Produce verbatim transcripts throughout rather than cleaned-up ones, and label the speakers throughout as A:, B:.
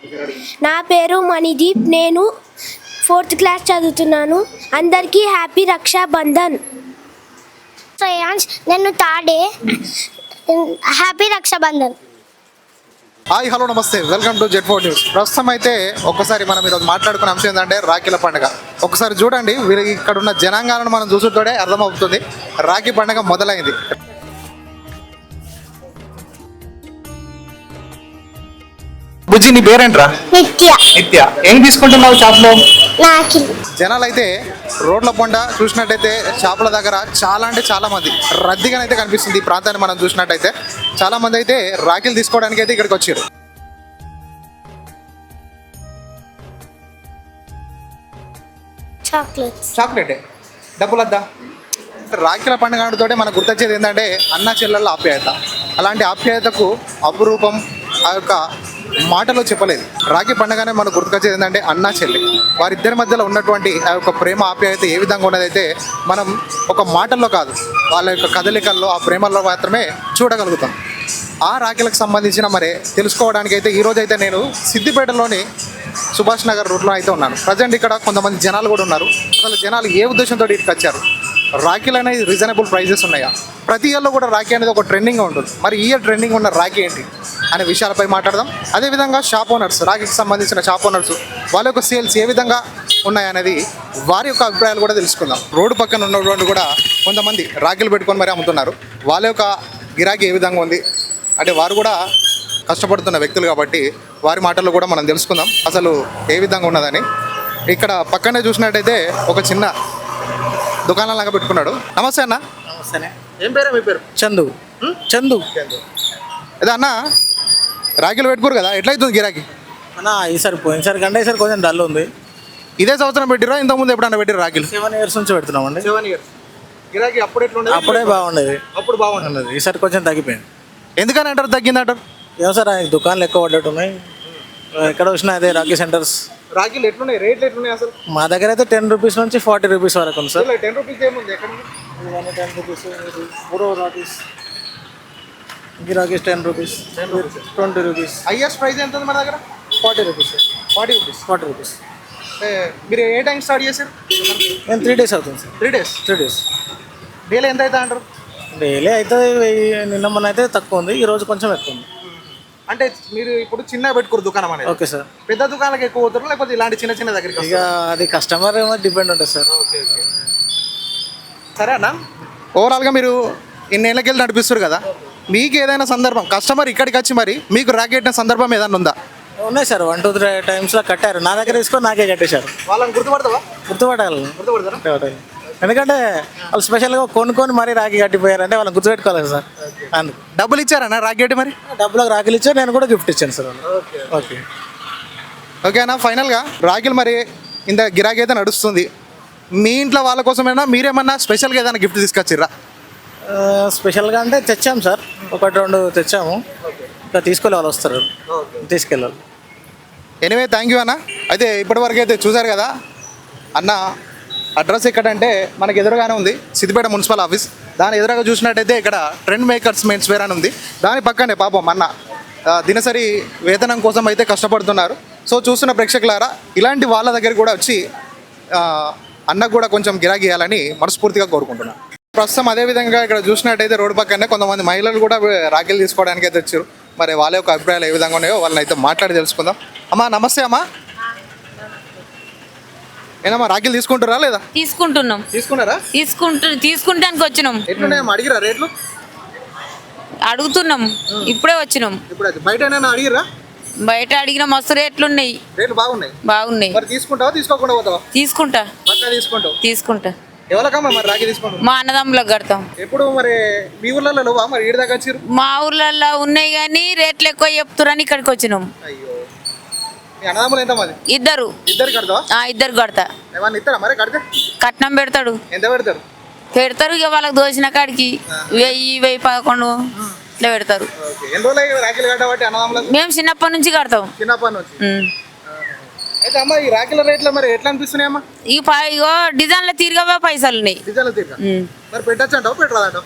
A: నా పేరు మణిదీప్. నేను ఫోర్త్ క్లాస్ చదువుతున్నాను. అందరికీ హ్యాపీ రక్షాబంధన్.
B: శ్రేయాన్స్, నేను third A. Happy Rakshabandhan.
C: Hi, hello, నమస్తే, welcome to Z four news. ప్రస్తుతం అయితే ఒక్కసారి మనం ఈరోజు మాట్లాడుకున్న అంశం ఏంటంటే రాఖీల పండుగ. ఒకసారి చూడండి, వీరి ఇక్కడ ఉన్న జనాంగాలను మనం చూసుకుంటే అర్థమవుతుంది రాఖీ పండుగ మొదలైంది. బుజ్జి, నీ పేరేంట్రా?
B: నిత్య.
C: నిత్య. ఏం తీసుకుంటున్నావు షాప్లో?
B: నాకి.
C: జనాలు అయితే రోడ్ల పొండ చూసినట్టయితే షాపుల దగ్గర చాలా అంటే చాలా మంది రద్దీగానైతే కనిపిస్తుంది. ఈ ప్రాంతాన్ని మనం చూసినట్టయితే చాలా మంది అయితే రాఖీలు తీసుకోవడానికి అయితే ఇక్కడికి వచ్చారు.
B: చాక్లెట్స్.
C: చాక్లెట్ డబ్బులు వద్దా? రాఖీల పండుగ తోటే మనకు గుర్తొచ్చేది ఏంటంటే అన్న చెల్లెళ్ళ ఆప్యాయత. అలాంటి ఆప్యాయతకు అపురూపం ఆ యొక్క మాటలో చెప్పలేదు. రాఖీ పండుగనే మనకు గుర్తుకొచ్చేది ఏంటంటే అన్న చెల్లి, వారిద్దరి మధ్యలో ఉన్నటువంటి ఆ యొక్క ప్రేమ ఆప్యాయత ఏ విధంగా ఉన్నదైతే మనం ఒక మాటల్లో కాదు, వాళ్ళ యొక్క కదలికల్లో ఆ ప్రేమల్లో మాత్రమే చూడగలుగుతాం. ఆ రాఖీలకు సంబంధించిన మరి తెలుసుకోవడానికి అయితే ఈరోజు అయితే నేను సిద్దిపేటలోని సుభాష్ నగర్ రూట్లో అయితే ఉన్నాను. ప్రజెంట్ ఇక్కడ కొంతమంది జనాలు కూడా ఉన్నారు. అసలు జనాలు ఏ ఉద్దేశంతో ఇక్కడికి వచ్చారు? రాఖీలు అనేది రీజనబుల్ ప్రైజెస్ ఉన్నాయా? ప్రతి ఇయర్లో కూడా రాఖీ అనేది ఒక ట్రెండింగ్గా ఉంటుంది. మరి ఈ ఇయర్ ట్రెండింగ్ ఉన్న రాఖీ ఏంటి అనే విషయాలపై మాట్లాడదాం. అదేవిధంగా షాప్ ఓనర్స్, రాఖీకి సంబంధించిన షాప్ ఓనర్స్, వాళ్ళ యొక్క సేల్స్ ఏ విధంగా ఉన్నాయనేది వారి యొక్క అభిప్రాయాలు కూడా తెలుసుకుందాం. రోడ్డు పక్కన ఉన్నటువంటి కూడా కొంతమంది రాఖీలు పెట్టుకొని మరి అమ్ముతున్నారు. వాళ్ళ యొక్క గిరాకీ ఏ విధంగా ఉంది అంటే వారు కూడా కష్టపడుతున్న వ్యక్తులు కాబట్టి వారి మాటల్లో కూడా మనం తెలుసుకుందాం అసలు ఏ విధంగా ఉన్నదని. ఇక్కడ పక్కనే చూసినట్టయితే ఒక చిన్న దుకాణం లాగా పెట్టుకున్నాడు. నమస్తే అన్న.
D: నమస్తే.
C: ఏం పేరు? మీ పేరు?
D: చందు. చందు.
C: అదే అన్న, రాఖీలు పెట్టుకోరు కదా, ఎట్లయితుంది గిరాకీ?
D: అన్న ఈసారి పోయినసారి కంటే ఈసారి కొంచెం డల్ ఉంది.
C: ఇదే సంవత్సరం పెట్టిరా? ఇంతకుముందు ఎప్పుడన్నా పెట్టిరు రాఖీలు?
D: సెవెన్ ఇయర్స్ నుంచి పెడుతున్నామండి.
C: సెవెన్ ఇయర్స్ గిరాకీ అప్పుడు ఎట్లుండేది?
D: అప్పుడే బాగుండేది.
C: అప్పుడు బాగుండేది.
D: ఈసారి కొంచెం తగ్గిపోయింది.
C: ఎందుకని అంటారు తగ్గింది అంటారు?
D: ఏమో సార్, ఆయన దుకాణాలు ఎక్కువ పడ్డట్టు ఉన్నాయి. ఎక్కడ వచ్చినా అదే రాఖీ సెంటర్స్.
C: రాఖీలు ఎట్లున్నాయి? రేట్లు ఎట్లున్నాయి అసలు?
D: మా దగ్గర అయితే టెన్ రూపీస్ నుంచి ఫార్టీ రూపీస్ వరకు ఉంది సార్.
C: టెన్ రూపీస్ ఏముంది? ఎక్కడ
D: టెన్ రూపీస్ ఫోర్ రాఖీస్, గిరాకీస్ ten rupees, twenty rupees.
C: Highest price ఎంత ఉంది మన దగ్గర?
D: Forty rupees.
C: Forty rupees.
D: Forty rupees.
C: మీరు ఏ టైం స్టార్ట్ చేశారు?
D: నేను త్రీ డేస్ అవుతుంది sir.
C: Three days
D: three days
C: daily ఎంత అవుతా అంటారు?
D: డైలీ అయితే నిన్న మొన్న అయితే తక్కువ ఉంది, ఈరోజు కొంచెం ఎక్కువ ఉంది.
C: అంటే మీరు ఇప్పుడు చిన్న పెట్టుకోరు దుకాణం అనేది?
D: Okay sir.
C: పెద్ద దుకాణాలకు ఎక్కువ పోతారు లేకపోతే ఇలాంటి చిన్న చిన్న దగ్గరికి?
D: ఇక అది కస్టమర్ ఏమో డిపెండ్ ఉంటుంది సార్.
C: ఓకే ఓకే సరే అన్న, ఓవరాల్గా మీరు ఇన్నేళ్ళకి వెళ్ళి నడిపిస్తారు కదా, మీకు ఏదైనా సందర్భం కస్టమర్ ఇక్కడికి వచ్చి మరి మీకు రాకెట్టిన సందర్భం ఏదైనా ఉందా?
D: ఉన్నాయి సార్, వన్ టూ త్రీ టైమ్స్లో కట్టారు. నా దగ్గర తీసుకొని నాకే కట్టేశారు.
C: వాళ్ళని గుర్తుపడతావా?
D: గుర్తుపట్టాలి.
C: గుర్తుపడతారా?
D: ఎందుకంటే వాళ్ళు స్పెషల్గా కొనుక్కొని మరీ రాఖీ కట్టిపోయారంటే వాళ్ళని గుర్తుపెట్టుకోవాలి సార్. అందుకు
C: డబ్బులు ఇచ్చారన్నా రాకెట్? మరి
D: డబ్బులకు రాఖీలు ఇచ్చారు, నేను కూడా గిఫ్ట్ ఇచ్చాను సార్. ఓకే
C: ఓకేనా. ఫైనల్గా రాఖీలు మరి ఇంత గిరాకీ అయితే నడుస్తుంది. మీ ఇంట్లో వాళ్ళ కోసమైనా మీరేమన్నా స్పెషల్గా ఏదైనా గిఫ్ట్ తీసుకొచ్చిర్రా?
D: స్పెషల్గా అంటే తెచ్చాము సార్, ఒకటి రెండు తెచ్చాము. ఇంకా తీసుకెళ్ళి వాళ్ళు వస్తారు, తీసుకెళ్ళాలి.
C: ఎనివే, థ్యాంక్ యూ అన్న. అయితే ఇప్పటివరకు అయితే చూసారు కదా, అన్న అడ్రస్ ఎక్కడంటే మనకి ఎదురుగానే ఉంది సిద్దిపేట మున్సిపల్ ఆఫీస్. దాని ఎదురుగా చూసినట్టయితే ఇక్కడ ట్రెండ్ మేకర్స్ మెన్స్ వేర్ అని ఉంది. దాని పక్కనే పాపం అన్న దినసరి వేతనం కోసం అయితే కష్టపడుతున్నారు. సో చూస్తున్న ప్రేక్షకులారా, ఇలాంటి వాళ్ళ దగ్గర కూడా వచ్చి అన్నకు కూడా కొంచెం గిరాకీ ఇవ్వాలని మనస్ఫూర్తిగా కోరుకుంటున్నాను. ప్రస్తుతం అదేవిధంగా ఇక్కడ చూసినట్టయితే రోడ్డు పక్కనే కొంతమంది మహిళలు కూడా రాఖీలు తీసుకోవడానికి అయితే వచ్చారు. మరి వాళ్ళ యొక్క అభిప్రాయాలు ఏ విధంగా ఉన్నాయో వాళ్ళని అయితే మాట్లాడి తెలుసుకుందాం. అమ్మా నమస్తే. అమ్మా ఏనమ్మా, రాఖీలు తీసుకుంటారా లేదా?
E: తీసుకుంటున్నాం.
C: తీసుకున్నారా?
E: తీసుకుంటు తీసుకుంటానికి వచ్చినాం.
C: ఎట్లున్నాయమ్మా, అడిగిరా రేట్లు?
E: అడుగుతున్నాం, ఇప్పుడే వచ్చినాం.
C: ఇప్పుడు బయట అడిగిరా?
E: బయట అడిగిన మస్తు రేట్లు ఉన్నాయి.
C: రేట్లు బాగున్నాయి.
E: బాగున్నాయి.
C: మరి తీసుకుంటావా తీసుకోకుండా పోతావా?
E: తీసుకుంటా.
C: పక్కా తీసుకుంటావు?
E: తీసుకుంటా.
C: ఎవరికమ్మా మరి రాఖీ తీసుకుంటాం?
E: మా అన్నదమ్ములకు కడతాం.
C: ఎప్పుడు మరి మీ ఊర్లలో నువ్వా మరి ఈడ దాకా వచ్చారు?
E: మా ఊర్లలో ఉన్నాయి కానీ రేట్లు ఎక్కువ చెప్తురని ఇక్కడికి వచ్చినాం.
C: అయ్యో, మీ అన్నదమ్ములు ఎంత మంది?
E: ఇద్దరు.
C: ఇద్దరు కడతావా?
E: ఇద్దరు కడతా.
C: ఏమన్నా ఇస్తారా మరి కడితే?
E: కట్నం పెడతాడు.
C: ఎంత పెడతారు?
E: పెడతారు ఇక వాళ్ళకి దోచిన కాడికి వెయ్యి వెయ్యి పదకొండు ఇట్లా పెడతారు.
C: ఎన్ని రోజులు రాఖీలు కట్టబట్టి అన్నదమ్ములకు?
E: మేము చిన్నప్పటి నుంచి కడతాం.
C: చిన్నప్పటి నుంచి. అయితే అమ్మ ఈ రాఖీల రేట్లు మరి ఎట్లా అనిపిస్తున్నాయమ్మా?
E: ఈ ఇగో డిజైన్ల తీరుగా పైసలు ఉన్నాయి.
C: డిజైన్ల తీరుగా మరి పెట్టచ్చు అంటావు పెట్టరాదంటావు?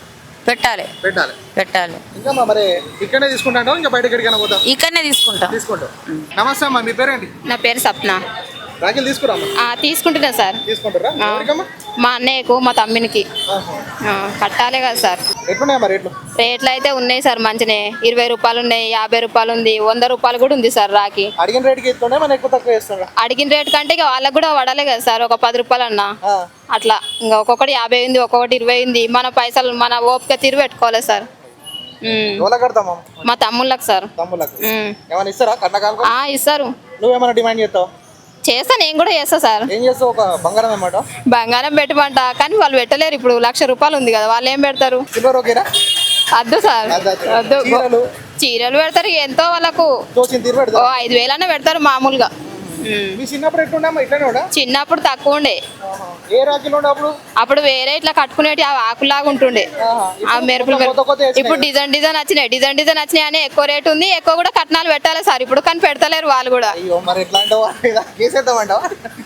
E: పెట్టాలి
C: పెట్టాలి.
E: పెట్టాలి
C: ఇంకా మా మరి ఇక్కడనే తీసుకుంటాంటావు ఇంకా బయట ఎక్కడికైనా పోతా
E: ఇక్కడనే తీసుకుంటాం
C: తీసుకుంటావు. నమస్తే అమ్మా, మీ పేరేంటి?
F: నా పేరు సప్న.
C: రాఖీలు తీసుకురామ్మా.
F: ఆ, తీసుకుంటున్నా సార్.
C: తీసుకుంటారా?
F: ఆ,
C: ఎవరికమ్మా?
F: మా అన్నయ్యకు మా తమ్మినికి
C: ఆహా.
F: ఆ, కట్టాలి కదా సార్.
C: ఎట్లున్నాయమ్మా రేట్లు?
F: రేట్లు అయితే ఉన్నాయి సార్ మంచినే. ఇరవై రూపాయలు ఉన్నాయి, యాభై రూపాయలు ఉంది, వంద రూపాయలు కూడా ఉంది సార్ రాఖీ.
C: అడిగిన రేటుకి ఇస్తుండే మన ఎక్కువ తక్కువ చేస్తుండ?
F: అడిగిన రేటు కంటే ఇక వాళ్ళకి కూడా పడాలి కదా సార్, ఒక పది రూపాయలు అన్నా అట్లా. ఇంకా ఒక్కొక్కటి యాభై ఉంది, ఒక్కొక్కటి ఇరవై ఉంది. మన పైసలు మన ఓపిక తీరు పెట్టుకోవాలి సార్. ఉమ్.
C: ఎవరికి కడతామా?
F: మా తమ్ముళ్ళకి సార్.
C: తమ్ముళ్ళకి
F: ఉమ్.
C: ఏమైనా ఇస్తారా కట్నకాలకు?
F: ఆ, ఇస్తారు.
C: నువ్వేమైనా డిమాండ్ చేస్తావు?
F: చేస్తా, నేను కూడా చేస్తా సార్.
C: ఏం చేస్తావు? ఒక బంగారం ఏమాట
F: బంగారం పెట్టమంట, కానీ వాళ్ళు పెట్టలేరు. ఇప్పుడు లక్ష రూపాయలు ఉంది కదా, వాళ్ళు ఏం పెడతారు?
C: సిల్వర్ ఓకేనా?
F: వద్దు సార్,
C: అద్దు, అద్దు.
F: వద్దు.
C: చీరలు?
F: చీరలు పెడతారు ఎంతో వాళ్ళకు,
C: తోచిన తీరు
F: ఓ
C: పెడతా.
F: ఐదు వేలన్నా పెడతారు మామూలుగా. ఉమ్.
C: మీ చిన్నప్పుడు ఎట్లుండమ్మా? ఇట్లానే ఉండా?
F: చిన్నప్పుడు తక్కువ ఉండే,
C: ఏ రాఖీలు ఉండే అప్పుడు?
F: అప్పుడు వేరే ఇట్లా కట్టుకునేటి ఆ ఆకులాగా ఉంటుండే. ఆ మెరుపులు
C: కొత్త కొత్త
F: మెరుపులు.
C: వచ్చినాయి
F: ఇప్పుడు డిజైన్ డిజైన్ వచ్చినాయి, డిజైన్ డిజైన్ వచ్చినాయి అని ఎక్కువ రేటు ఉంది. ఎక్కువ కూడా కట్నాలు పెట్టాలి సార్ ఇప్పుడు, కానీ పెడతలేరు వాళ్ళు కూడా.
C: అయ్యో, మరి ఎట్లా అంటావా? కేసేద్దామంటావా?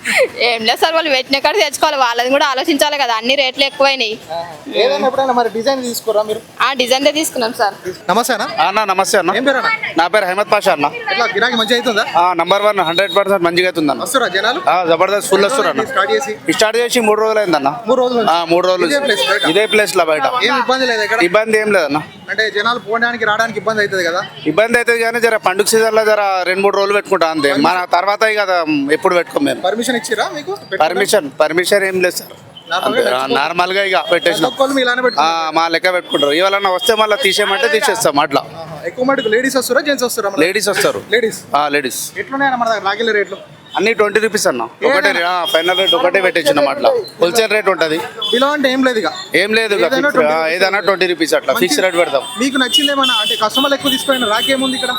F: ఏం లేదు సార్, వాళ్ళు పెట్టిన కాడ తెచ్చుకోవాలి, వాళ్ళని కూడా ఆలోచించాలి కదా. అన్ని రేట్లు ఎక్కువైనాయి.
C: ఏదైనా ఎప్పుడైనా మరి డిజైన్ తీసుకోరా మీరు?
F: ఆ డిజైన్ తీసుకున్నాం సార్.
C: నమస్తే అన్న.
G: అన్న నమస్తే అన్న.
C: ఏం పేరు అన్న?
G: నా పేరు హైమద్ పాషా అన్న.
C: ఎట్లా గిరాకీ మంచిగా అవుతుందా?
G: నంబర్ వన్ హండ్రెడ్ పర్సెంట్ మంచిగా అవుతుంది అన్న.
C: వస్తురా జనాలు?
G: ఆ, జబర్దస్త్ ఫుల్ వస్తారు అన్న.
C: స్టార్ట్ చేసి
G: స్టార్ట్ చేసి మూడు రోజులు అయిందన్న.
C: మూడు రోజులు
G: ఆ, మూడు రోజులు
C: ఇదే place బయట?
G: ఇదే ప్లేస్ లో బయట
C: ఏం ఇబ్బంది లేదు ఇక్కడ?
G: ఇబ్బంది ఏం లేదన్న.
C: అంటే జనాలు పోవడానికి రావడానికి ఇబ్బంది అవుతుంది కదా?
G: ఇబ్బంది అవుతుంది కానీ జర పండుగ సీజన్ లో జర రెండు మూడు రోజులు పెట్టుకుంటాం అంతే. మన తర్వాత కదా ఎప్పుడు పెట్టుకోం మేము.
C: పర్మిషన్ ఇచ్చిరా మీకు?
G: పర్మిషన్ పర్మిషన్ ఏం లేదు సార్. నార్మల్ గా ఇక పెట్టేసినాం.
C: ఒక్కొక్కరు మీ ఇలానే
G: ఆ,
C: పెట్టుకుంటారు?
G: మా లెక్క పెట్టుకుంటారు. ఇవాళ వస్తే మళ్ళీ తీసేయమంటే తీసేస్తాం అట్లా.
C: ఆహా. ఎక్కువ మటుకు లేడీస్ వస్తారా జెంట్స్ వస్తారా?
G: లేడీస్ వస్తారు.
C: లేడీస్
G: లేడీస్
C: ఎట్లున్నాయన్న మన దగ్గర రాగిల రేట్లు?
G: అన్ని ట్వంటీ రూపీస్ అన్న. ఒకటే ఫైనల్ రేట్ ఒకటే పెట్టించినాం అట్లా. హోల్సేల్ రేట్ ఉంటుంది.
C: ఇలా అంటే ఏం లేదు ఇక?
G: ఏం లేదు ఇక.
C: ఏదైనా
G: ఫిక్స్-
C: twenty
G: ఆ,
C: rupees.
G: ఏదైనా ట్వంటీ రూపీస్ అట్లా ఫిక్స్ రేట్ పెడతాం.
C: మీకు నచ్చింది ఏమన్నా? అంటే కస్టమర్లు ఎక్కువ తీసుకోండి. రాకి ఏముంది ఇక్కడ?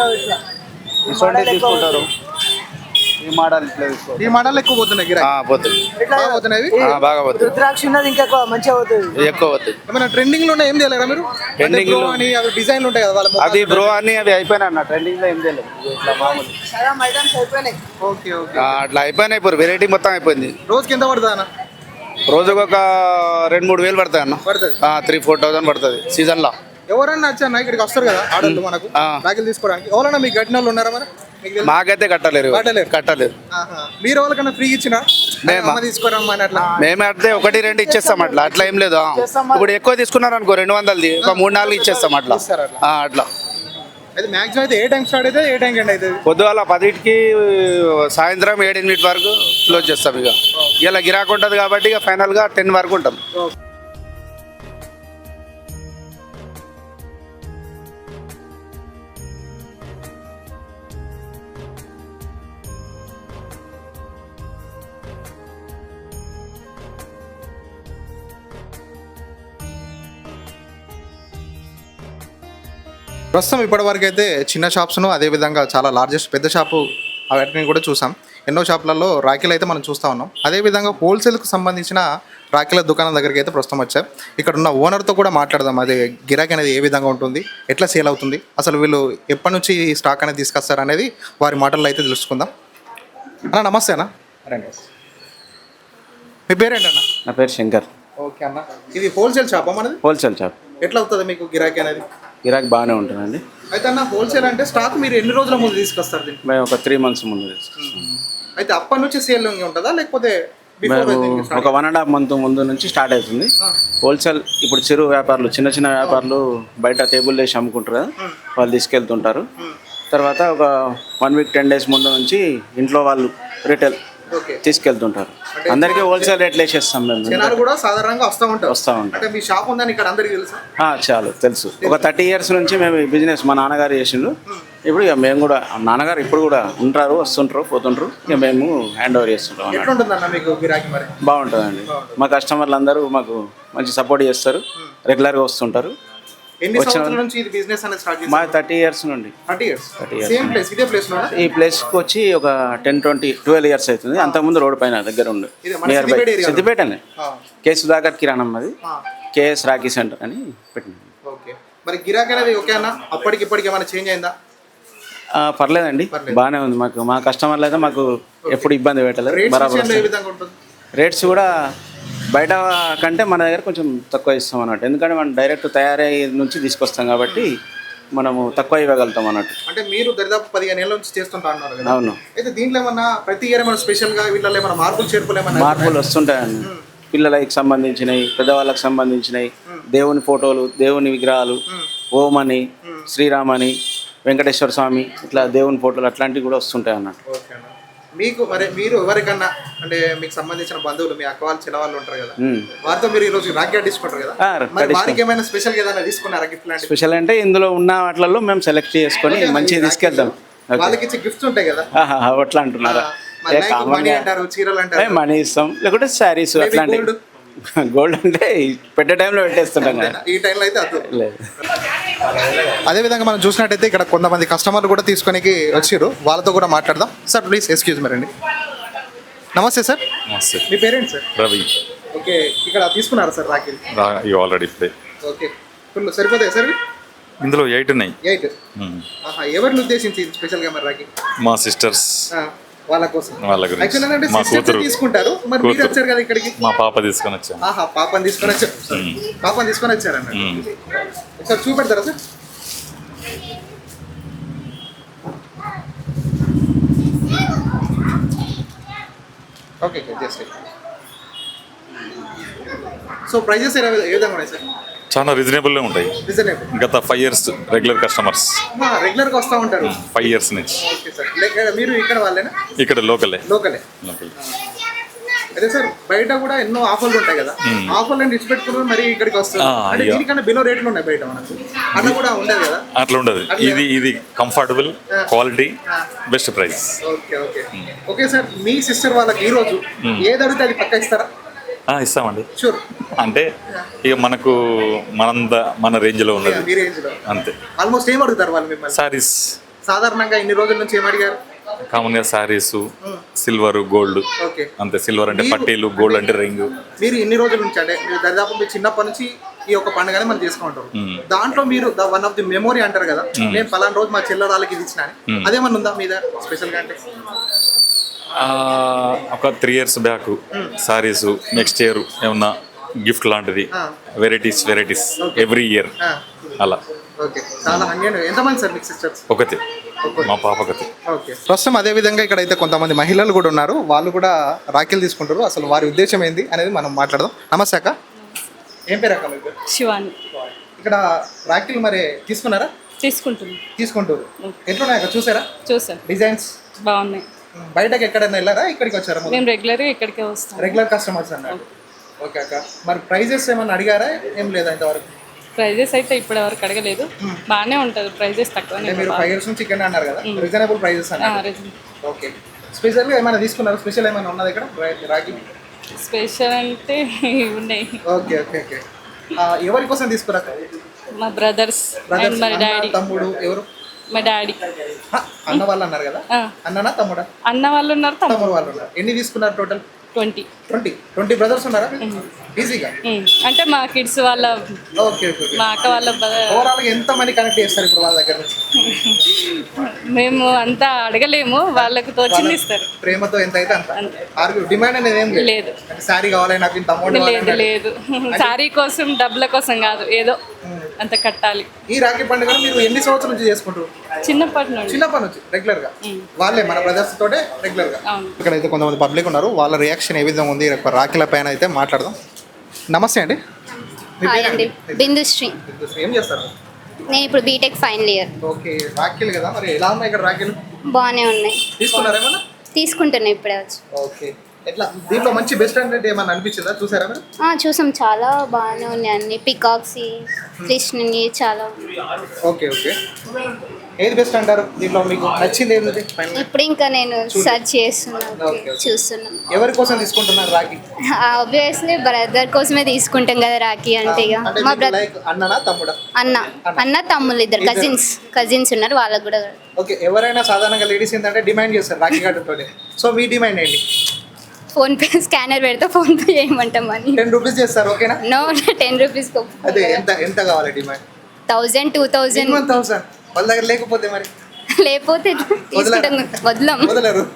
G: ఇటువంటి తీసుకుంటారు. ఈ మోడల్ ఇట్లా తీసుకో.
C: ఈ మోడల్ ఎక్కువ పోతున్నాయి గిరాకీ?
G: ఆ, పోతుంది.
C: బాగా పోతున్నాయి ఇవి?
G: ఆ, బాగా పోతుంది.
D: రుద్రాక్ష ఉన్నది ఇంకా మంచిగా అవుతుంది.
G: ఇది ఎక్కువ పోతుంది.
C: ఏమైనా ట్రెండింగ్ లో ఉన్నాయి? ఏం చేయలేరా మీరు?
G: Trending లో-
C: అని అవి డిజైన్లు ఉంటాయి కదా వాళ్ళ
G: అది బ్రో అని అవి అయిపోయినాయి అన్న. ట్రెండింగ్ లో ఏం చేయలేదు. ఇట్లా మామూలు
D: సగం ఐటమ్స్ అయిపోయినాయి.
C: Okay okay.
G: ఆ, అట్లా అయిపోయినాయి. ఇప్పుడు వెరైటీ మొత్తం అయిపోయింది.
C: రోజుకి ఎంత పడుతుంది అన్న?
G: రోజుకు ఒక రెండు మూడు వేలు పడతాయి అన్న.
C: పడుతుంది.
G: త్రీ ఫోర్ థౌసండ్ పడుతుంది సీజన్ లో.
C: ఎవరన్నా వచ్చాను ఇక్కడికి వస్తారు కదా ఆడళ్ళు మనకు
G: ఆ.
C: రాఖీలు తీసుకోవడానికి. ఎవరన్నా మీకు గట్టిన వాళ్ళు ఉన్నారా మరి? మీకు తెలుసా?
G: మాకైతే కట్టలేరు.
C: కట్టలేరు.
G: కట్టలేరు.
C: ఆహా. మీరు ఎవరికన్నా ఫ్రీ ఇచ్చినా
G: మేమా?
C: అమ్మ తీసుకోరమ్మా అని అట్లా?
G: మేమే అట్లే ఒకటి రెండు ఇచ్చేస్తాం అట్లా. అట్లా ఏం లేదు. ఆ. ఇప్పుడు ఎక్కువ తీసుకున్నారు అనుకో రెండు వందలది ఒక మూడు నాలుగు ఇచ్చేస్తాం అట్లా.
C: ఇస్తారు అట్లా.
G: ఆ, అట్లా
C: అయితే మ్యాక్సిమం అయితే ఏ టైం స్టార్ట్ అయితే ఏ టైం ఎండ్ అవుతుంది?
G: పొద్దుగాల పదింటికి సాయంత్రం ఏడెనిమిది వరకు క్లోజ్ చేస్తాం. ఇక ఇలా గిరాకు ఉంటుంది కాబట్టి ఇక ఫైనల్గా టెన్ వరకు ఉంటాం.
C: ప్రస్తుతం ఇప్పటి వరకు అయితే చిన్న షాప్స్ను అదేవిధంగా చాలా లార్జెస్ట్ పెద్ద షాపు వాటిని కూడా చూసాం. ఎన్నో షాపులలో రాఖీలు అయితే మనం చూస్తూ ఉన్నాం. అదేవిధంగా హోల్సేల్కి సంబంధించిన రాఖీల దుకాణం దగ్గరికి అయితే ప్రస్తుతం వచ్చాం. ఇక్కడ ఉన్న ఓనర్తో కూడా మాట్లాడదాం. అది గిరాకీ అనేది ఏ విధంగా ఉంటుంది, ఎట్లా సేల్ అవుతుంది, అసలు వీళ్ళు ఎప్పటి నుంచి ఈ స్టాక్ అనేది తీసుకొస్తారు అనేది వారి మాటల్లో అయితే తెలుసుకుందాం. అన్న నమస్తే అన్న. రండి. మీ పేరేంటన్నా?
H: నా పేరు శంకర్.
C: ఓకే అన్న. ఇది హోల్సేల్ షాపా మనది?
H: Wholesale shop.
C: ఎట్లా అవుతుంది మీకు గిరాకీ అనేది?
H: గిరాక్ బాగానే ఉంటుందండి.
C: అయితే అన్న హోల్సేల్ అంటే స్టాక్ మీరు ఎన్ని రోజుల ముందు తీసుకొస్తారు దీన్ని?
H: మేము ఒక త్రీ మంత్స్ ముందు తీసుకొస్తాం.
C: అయితే అప్పటి నుంచి సేల్ ఉంటుందా లేకపోతే before
H: మేము
C: దీనికి start?
H: ఒక వన్ అండ్ హాఫ్ మంత్ ముందు నుంచి స్టార్ట్ అవుతుంది హోల్సేల్. ఇప్పుడు చిరు వ్యాపారులు చిన్న చిన్న వ్యాపారులు బయట టేబుల్ వేసి అమ్ముకుంటారు కదా, వాళ్ళు తీసుకెళ్తుంటారు. తర్వాత ఒక వన్ వీక్ టెన్ డేస్ ముందు నుంచి ఇంట్లో వాళ్ళు రిటైల్
C: ఓకే.
H: తీసుకెళ్తుంటారు. అందరికీ హోల్సేల్ రేట్లు వేసేస్తాం మేము.
C: జనాలు కూడా సాధారణంగా వస్తూ ఉంటారు.
H: వస్తూ ఉంటారు.
C: అంటే మీ షాప్ ఉందని ఇక్కడ అందరికి తెలుసా?
H: ఆ, చాలు తెలుసు. ఒక థర్టీ ఇయర్స్ నుంచి మేము ఈ బిజినెస్ మా నాన్నగారు చేసిండు. ఇప్పుడు ఇక మేము కూడా నాన్నగారు ఇప్పుడు కూడా ఉంటారు, వస్తుంటారు, పోతుంటారు. ఇక మేము హ్యాండ్ ఓవర్ చేస్తుంటాం అన్నమాట.
C: ఎట్లుంటుందన్న మీకు గిరాకీ మరి?
H: బాగుంటుందండి. మా కస్టమర్లు అందరూ మాకు మంచి సపోర్ట్ చేస్తారు, రెగ్యులర్గా వస్తుంటారు.
C: ఎన్ని సంవత్సరాల నుంచి ఇది బిజినెస్ అనేది స్టార్ట్
H: మా
C: చేశారు?
H: థర్టీ ఇయర్స్ నుండి.
C: Thirty years.
H: Thirty years
C: same place ఇదే ప్లేస్ లోనా?
H: ఈ ప్లేస్కి వచ్చి ఒక టెన్ ట్వంటీ ట్వెల్వ్ ఇయర్స్ అవుతుంది. అంతకుముందు రోడ్ పైన దగ్గర ఉండి
C: ఇదే మన
H: నియర్ బై
C: సిద్దిపేట ఏరియాలో?
H: సిద్దిపేటనే.
C: ఆ,
H: కే సుధాకర్ కిరాణం అది,
C: ఆ.
H: కేఎస్ రాఖీ సెంటర్ అని పెట్టింది.
C: ఓకే. మరి గిరాకీ అనేది ఓకే అన్న? అప్పటికి ఇప్పటికి ఏమైనా చేంజ్ అయిందా?
H: ఆ, పర్లేదండి,
C: పర్లేదు.
H: బాగానే ఉంది. మాకు మా కస్టమర్లు అయితే మాకు ఎప్పుడు ఇబ్బంది పెట్టలేదు.
C: రేట్స్
H: బరాబర్
C: విషయంలో ఏ
H: వస్తుంది.
C: విధంగా ఉంటుంది?
H: రేట్స్ కూడా బయట కంటే మన దగ్గర కొంచెం తక్కువ ఇస్తాం అన్నట్టు, ఎందుకంటే మనం డైరెక్ట్ తయారయ్యే నుంచి తీసుకొస్తాం కాబట్టి మనము తక్కువ ఇవ్వగలుగుతాం అన్నట్టు.
C: అంటే మీరు దరిదాపు పదిహేను ఏళ్ళ నుంచి చేస్తుంటా అన్నారు కదా.
H: అవును.
C: అయితే దీంట్లో ఏమన్నా ప్రతి ఇయర్ ఏమైనా స్పెషల్గా వీళ్ళలో ఏమైనా మార్పులు చేర్పులు ఏమన్నా
H: మార్పులు వస్తుంటాయండి. పిల్లలకి సంబంధించినవి, పెద్దవాళ్ళకి సంబంధించినవి, దేవుని ఫోటోలు, దేవుని విగ్రహాలు, ఓం అని, శ్రీరామని, వెంకటేశ్వర స్వామి, ఇట్లా దేవుని ఫోటోలు అట్లాంటివి కూడా వస్తుంటాయి అన్నట్టు.
C: ఓకే అన్న. మీకు మరి మీరు ఎవరికన్నా అంటే మీకు సంబంధించిన బంధువులు మీ అక్క వాళ్ళు చిన్న వాళ్ళు ఉంటారు కదా, వారితో మీరు ఈ రోజు రాఖీ తీసుకుంటారు కదా, మరి వారికి ఏమైనా స్పెషల్ గా ఏదైనా తీసుకున్నారా గిఫ్ట్ లాంటి?
H: స్పెషల్ అంటే ఇందులో ఉన్న వాటిలలో మేము సెలెక్ట్ చేసుకొని మంచిగా తీసుకెళ్తాం.
C: వాళ్ళకి ఇచ్చే గిఫ్ట్స్ ఉంటాయి కదా,
H: అట్లా అంటున్నారా?
C: మనీ అంటారు, చీరలు అంటారు,
H: మనీ ఇస్తాం, లేకుంటే శారీస్ అట్లాంటి. గోల్డ్ అంటే పెట్టే టైంలో పెట్టేస్తుంటాం కదా,
C: ఈ టైంలో అయితే అద్దు లేదు. అదేవిధంగా మనం చూసినట్టయితే ఇక్కడ కొంతమంది కస్టమర్లు కూడా తీసుకొని వచ్చారు, వాళ్ళతో కూడా మాట్లాడదాం. సార్ ప్లీజ్ ఎక్స్క్యూజ్ మీ రండి. నమస్తే సార్.
I: నమస్తే.
C: మీ పేరెంట్స్ సార్?
I: రవి.
C: ఓకే, ఇక్కడ తీసుకున్నారా సార్ రాఖీ?
I: ఆల్రెడీ ఇప్పుడే.
C: ఓకే, ఫుల్ సరిపోతాయి సార్?
I: ఇందులో ఎయిట్ ఉన్నాయి.
C: ఎయిట్. ఎవరిని ఉద్దేశించి స్పెషల్గా మరి రాఖీ?
I: మా సిస్టర్స్
C: వాళ్ళ కోసం.
I: వాళ్ళ గురించి. మా కూతురు
C: తీసుకుంటారు. మరి మీరు వచ్చారు కదా ఇక్కడికి?
I: మా పాప తీసుకొని వచ్చాను.
C: ఆహా, పాపని తీసుకొని వచ్చారు. పాపని తీసుకొని వచ్చారన్న. ఒకసారి చూపెడతారా sir? Okay just. So prices ఏ విధంగా ఉన్నాయి సార్?
I: చాలా రీజనబుల్గా ఉంటాయి.
C: రీజనబుల్.
I: గత ఫైవ్ ఇయర్స్ రెగ్యులర్ కస్టమర్స్.
C: రెగ్యులర్గా వస్తూ ఉంటారు
I: ఫైవ్ ఇయర్స్ నుంచి.
C: Okay sir. మీరు ఇక్కడ వాళ్ళేనా?
I: ఇక్కడ లోకలే.
C: లోకలే.
I: లోకల్.
C: అదే సార్, బయట కూడా ఎన్నో ఆఫర్లు ఉంటాయి కదా, ఆఫర్లు ఇచ్చి పెట్టుకున్నారు మరి ఇక్కడికి వస్తారు. అంటే దీనికన్నా బిలో రేట్లు ఉన్నాయి బయట మనకు, అట్లా కూడా ఉండదు కదా? అట్లా ఉండదు.
I: ఇది ఇది comfortable, quality, best price.
C: Okay okay okay sir. మీ సిస్టర్ వాళ్ళకి ఈ రోజు ఏది అడిగితే అది పక్కా ఇస్తారా?
I: ఇస్తామండి.
C: షూర్.
I: అంటే ఇక మనకు మనంద మన రేంజ్ లో ఉన్నది.
C: మీ రేంజ్ లో
I: అంతే.
C: ఆల్మోస్ట్ ఏం అడుగుతారు వాళ్ళు మిమ్మల్ని?
I: సారీస్.
C: సాధారణంగా ఇన్ని రోజుల నుంచి ఏం అడిగారు?
I: కామన్ గా సారీస్, సిల్వర్, గోల్డ్. అంతే. సిల్వర్ అంటే పట్టీలు, గోల్డ్ అంటే రింగ్.
C: మీరు ఇన్ని రోజుల నుంచి అంటే మీరు దాదాపు మీరు చిన్నప్పటి నుంచి ఈ యొక్క పండుగని మనం చేసుకుంటారు. దాంట్లో మీరు వన్ ఆఫ్ ది మెమోరీ అంటారు కదా, నేను పలానా రోజు మా చెల్లెళ్ళకి ఇది ఇచ్చిన, అదేమన్నా ఉందా మీద స్పెషల్ గా? అంటే
I: ఒక three years back saris, next year ఏమన్నా గిఫ్ట్ లాంటిది, వెరైటీస్ వెరైటీస్ ఎవ్రీ ఇయర్ అలా.
C: ఓకే, చాలా హంగేను. ఎంతమంది సార్ మీకు సిస్టర్స్?
I: ఒకటి, మా పాప ఒకటి.
C: ఓకే. ప్రస్తుతం అదే విధంగా ఇక్కడ అయితే కొంతమంది మహిళలు కూడా ఉన్నారు, వాళ్ళు కూడా రాఖీలు తీసుకుంటారు. అసలు వారి ఉద్దేశం ఏంది అనేది మనం మాట్లాడదాం. నమస్తే అక్క, ఏం పేరు అక్క మీకు?
J: శివాని.
C: ఇక్కడ రాఖీలు మరి తీసుకున్నారా?
J: తీసుకుంటున్నాం.
C: తీసుకుంటారు. ఎట్లున్నాయి అక్క, చూసారా?
J: చూసాను.
C: డిజైన్స్
J: బాగున్నాయి.
C: బయటకి ఎక్కడైనా వెళ్ళారా, ఇక్కడికి వచ్చారా?
J: మేము రెగ్యులర్గా ఇక్కడికే వస్తాం.
C: రెగ్యులర్ కస్టమర్స్ అన్నారు. ఓకే అక్క, మరి ప్రైజెస్ ఏమన్నా అడిగారా? ఏం లేదా ఇంతవరకు?
J: ప్రైజెస్ అయితే ఇప్పటి వరకు అడగలేదు. బాగానే ఉంటుంది, ప్రైజెస్ తక్కువనే.
C: మీరు ఫైవ్ ఇయర్స్ నుంచి ఇక్కడ అన్నారు కదా, రీజనబుల్ ప్రైజెస్ అన్నారు. ఓకే. స్పెషల్గా ఏమైనా తీసుకున్నారు? స్పెషల్ ఏమైనా ఉన్నది ఇక్కడ రాఖీ?
J: స్పెషల్ అంటే ఉన్నాయి.
C: Okay okay okay. ఎవరి కోసం తీసుకురా?
J: మా బ్రదర్స్ అండ్ మా డాడీ.
C: తమ్ముడు ఎవరు?
J: మా డాడీ.
C: అన్న వాళ్ళు అన్నారు కదా, అన్ననా తమ్ముడా?
J: అన్న వాళ్ళు ఉన్నారు, తమ్ముడు
C: వాళ్ళు ఉన్నారు. ఎన్ని తీసుకున్నారు total?
J: Twenty.
C: Twenty twenty brothers ఉన్నారా ఈజీగా?
J: అంటే మా కిడ్స్ వాళ్ళ,
C: ఓకే ఓకే,
J: మా అక్క వాళ్ళ.
C: ఓవరాల్ ఎంత మనీ కనెక్ట్ చేస్తారు ఇప్పుడు వాళ్ళ దగ్గర నుంచి?
J: మేము అంతా అడగలేము, వాళ్ళకు తోచింది ఇస్తారు.
C: ప్రేమతో ఎంత అయితే అంత. ఆర్గ్యూ డిమాండ్ అనేది ఏం
J: లేదు.
C: శారీ కావాలి నాకు, ఇంత అమౌంట్
J: లేదు లేదు, శారీ కోసం డబ్బుల కోసం కాదు, ఏదో అంత కట్టాలి.
C: ఈ రాఖీ పండుగ మీరు ఎన్ని సంవత్సరాల నుంచి చేసుకుంటారు?
J: చిన్నప్పటి నుండి.
C: చిన్నప్పటి నుంచి రెగ్యులర్ గా వాళ్ళే మన బ్రదర్స్ తోటే రెగ్యులర్ గా. ఇక్కడ అయితే కొంతమంది పబ్లిక్ ఉన్నారు, వాళ్ళ రియాక్షన్ ఏ విధంగా ఉంది రాఖీల పైన అయితే మాట్లాడదాం. నమస్తే అండి.
B: అండి బిందుశ్రీ.
C: ఏం చేస్తారు?
B: నేను ఇప్పుడు బీటెక్ ఫైనల్ ఇయర్.
C: ఓకే, రాఖీలు కదా, మరి ఎలా ఉన్నాయి ఇక్కడ రాఖీలు?
B: బాగానే ఉన్నాయి.
C: తీసుకున్నారా ఏమన్నా?
B: తీసుకుంటున్నా ఇప్పుడే వచ్చి.
C: ఓకే. ఎట్లా దీంట్లో మంచి బెస్ట్ అంటే ఏమన్నా అనిపించిందా? చూసారా మీరు?
B: చూసాం, చాలా బాగానే ఉన్నాయి అన్ని. పికాక్స్, కృష్ణుని చాలా.
C: Okay okay. ఏది బెస్ట్ అంటారు దీంట్లో? మీకు నచ్చింది ఏంటి?
B: ఇప్పుడు ఇంకా నేను సర్చ్ చేస్తున్నాను, చూస్తున్నాను.
C: ఎవరి కోసం తీసుకుంటున్నారు రాఖీ?
B: ఆబ్వియస్లీ బ్రదర్ కోసమే తీసుకుంటాం కదా రాఖీ అంటే. ఇక మా బ్రదర్.
C: అన్ననా తమ్ముడా?
B: అన్న అన్న తమ్ముళ్ళు ఇద్దరు కజిన్స్ కజిన్స్ ఉన్నారు, వాళ్ళకు కూడా.
C: ఓకే. ఎవరైనా సాధారణంగా లేడీస్ ఏంటంటే డిమాండ్ చేస్తారు రాఖీ కట్టుతోనే. సో మీ డిమాండ్ ఏంటి?
B: ఫోన్ పే స్కానర్ పెడితే ఫోన్ పే చేయమంటాం అని.
C: టెన్ రూపీస్ చేస్తారు, ఓకేనా?
B: No, ten rupees.
C: అదే ఎంత ఎంత కావాలి demand?
B: Thousand, two thousand.
C: One thousand వాళ్ళ దగ్గర లేకపోతే మరి?
B: లేకపోతే వదలం.
C: వదలరు.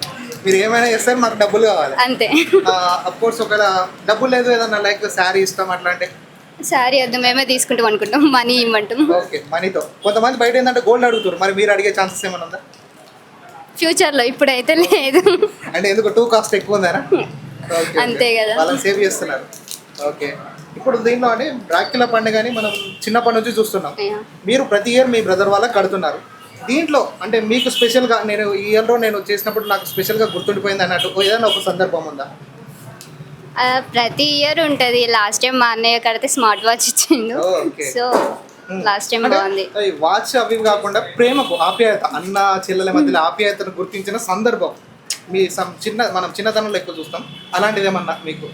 C: మీరు ఏమైనా చేస్తారు, మాకు డబ్బులు కావాలి.
B: అంతే.
C: అఫ్ కోర్స్ ఒకవేళ డబ్బులు లేదు ఏదన్నా లైక్ శారీ ఇస్తాం అట్లా అంటే
B: శారీ వద్దు, మేమే తీసుకుంటాం అనుకుంటాం, మనీ ఇవ్వమంటాం.
C: ఓకే, మనీతో. కొంతమంది బయట ఏంటంటే గోల్డ్ అడుగుతారు, మరి మీరు అడిగే ఛాన్సెస్ ఏమైనా ఉందా?
B: ఫ్యూచర్లో, ఇప్పుడైతే లేదు.
C: అంటే ఎందుకు టూ కాస్ట్ ఎక్కువ ఉందా?
B: అంతే కదా,
C: వాళ్ళని సేవ్ చేస్తున్నారు. ఓకే, ఇప్పుడు దీంట్లో అంటే రాఖీల పండుగని మనం చిన్నప్పటి నుంచి చూస్తున్నాం. మీరు ప్రతి ఇయర్ మీ బ్రదర్ వాళ్ళకి కడుతున్నారు. దీంట్లో అంటే మీకు స్పెషల్గా నేను ఈ ఇయర్లో నేను చేసినప్పుడు నాకు స్పెషల్గా గుర్తుండిపోయింది అన్నట్టు ఏదైనా ఒక సందర్భం ఉందా?
B: ఆ, ప్రతి ఇయర్ ఉంటుంది. లాస్ట్ టైం మా అన్నయ్య కడితే స్మార్ట్ వాచ్ ఇచ్చిండు, సో లాస్ట్ టైం బాగుంది.
C: వాచ్ అవి కాకుండా ప్రేమకు ఆప్యాయత, అన్న చెల్లెల మధ్యలో ఆప్యాయతను గుర్తించిన సందర్భం మీ సం- చిన్న మనం చిన్నతనంలో ఎక్కువ చూస్తాం, అలాంటిది ఏమన్నా మీకు?